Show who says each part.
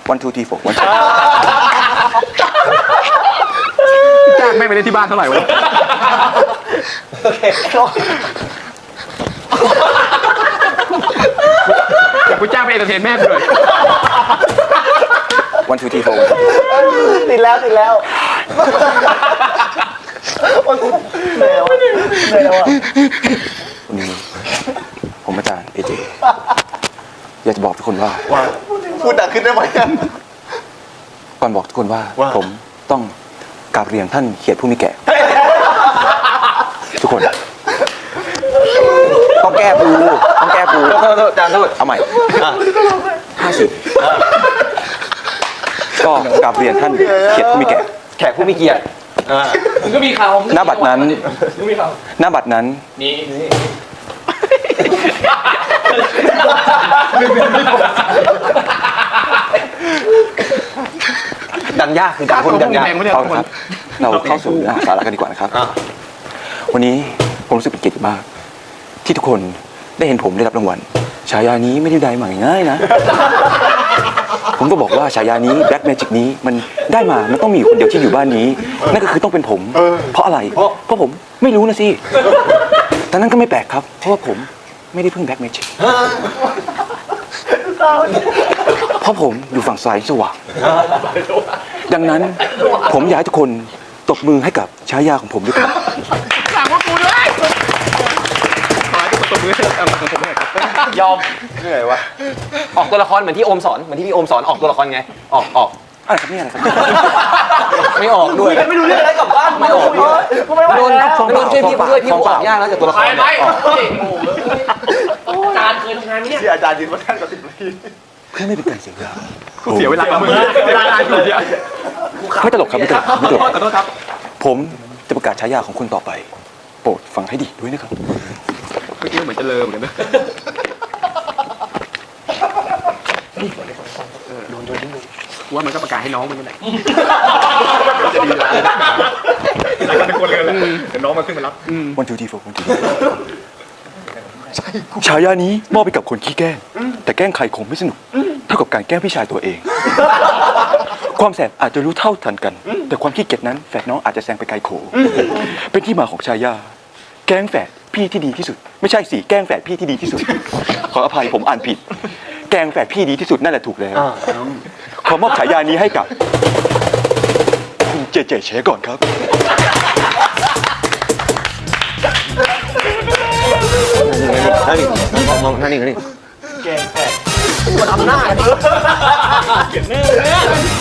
Speaker 1: 1 2 3 4 1
Speaker 2: จ้างแม่ไปเล่นที่บ้านเท่าไหร่วะโอเคอยากกูจ้างไปเอนเตอร์เทนแม่กูเลย
Speaker 1: 1 2 3 4
Speaker 3: ติดแล้วเหนื่อยแล้วอ่ะ
Speaker 1: วันนี้ผมอาจารย์เอเจอยากจะบอกทุกคนว่า
Speaker 3: พูดดังขึ้นได้ไหม
Speaker 1: ก่อนบอกทุกคนว่าผมต้องกราบเรียนท่านเขียดผู้มีแก่ทุกคนต้องแก้ปู
Speaker 3: จานโทษ
Speaker 1: เอาใหม่50ก็กราบเรียนท่านเขียดผู้มีแก่
Speaker 3: แขกผู้มีเกียรติ
Speaker 2: มึงก็มีข่าว
Speaker 1: หน้าบัตรนั้น
Speaker 2: นี่
Speaker 3: ดังยากคือการพูดดังยาก
Speaker 1: เอาครับเราเข้าสู่เนื้อหาสาระกันดีกว่านะครับวันนี้ผมรู้สึกเป็นเกียรติมาก ที่ทุกคนได้เห็นผมได้รับรางวัลฉายานี้ไม่ได้มาง่ายๆนะ ผมก็บอกว่าฉายานี้ Black Magic นี้มันได้มามันต้องมีคนเดียวที่อยู่บ้านนี้นั่นก็คือต้องเป็นผมเพราะอะไรเพราะผมไม่รู้นะสิแต่นั้นก็ไม่แปลกครับเพราะว่าผมไม่ได้พึ่ง Black Magic เพราะผมอยู่ฝั่งซ้ายสว่างดังนั้นผมอยากให้ทุกคนตบมือให้กับฉายาของผมด้วยครับ
Speaker 2: สั่งว่ากูด้วยขอให้ทุกคนตบมือให้กับผมด้วยครับ
Speaker 3: ยอมเหนื่อยวะออกตัวละครเหมือนที่โอมสอนเหมือนที่พี่โอมสอนออกตัวละครไงออก
Speaker 1: อะไรครับเนี่ยอะไรครับ
Speaker 3: ไม่ออกด้วยไม่รู้เรื่องอะไรกลับบ้านไม่ออกด้วยโดนช่วยพี่ด้วยพี่ออกยากแล้วจากตัวละคร
Speaker 2: ไปอาจารย์เคยทำงานไหมเนี่ยอาจารย์ยืนว่าท่านกับ10 นาที
Speaker 1: เพื่อไม่เป็นการเสียเวลา
Speaker 2: เสียเวลาเวลาอยู่เดียว
Speaker 1: ไม่ตลกครับไม่ตลกไม่ตลก
Speaker 2: ขอโทษครับ
Speaker 1: ผมจะประกาศฉายาของคุณต่อไปโปรดฟังให้ดีด้วยนะครับ
Speaker 2: เมื่อกี้เหมือนจะเลอเหมือนกันนะว่ามันก็ประกาศให้น้องมันนี่แหละจะดีแล้วเป็นคนเลยเดี๋ยวน้องมันขึ้นมารับ
Speaker 1: 1 2 3 4 1 2 3ฉายานี้มอบไปกับคนขี้แกล้งแต่แกล้งใครคงไม่สนุกเท่ากับการแกล้งพี่ชายตัวเอง ความแสบอาจจะรู้เท่าทันกันแต่ความขี้เกียจนั้นแฝดน้องอาจจะแซงไปไกลโขเป็นที่มาของฉายาแกล้งแฝดพี่ที่ดีที่สุดไม่ใช่สิแกล้งแฝดพี่ที่ดีที่สุดขออภัยผมอ่านผิดแกล้งแฝดพี่ดีที่สุดนั่นแหละถูกแล้วขอมอบฉายานี้ให้กับคุณเจเจเชก่อนครับ
Speaker 3: นั่นนี่
Speaker 2: ปวดอำนาจเก็บแน่เลย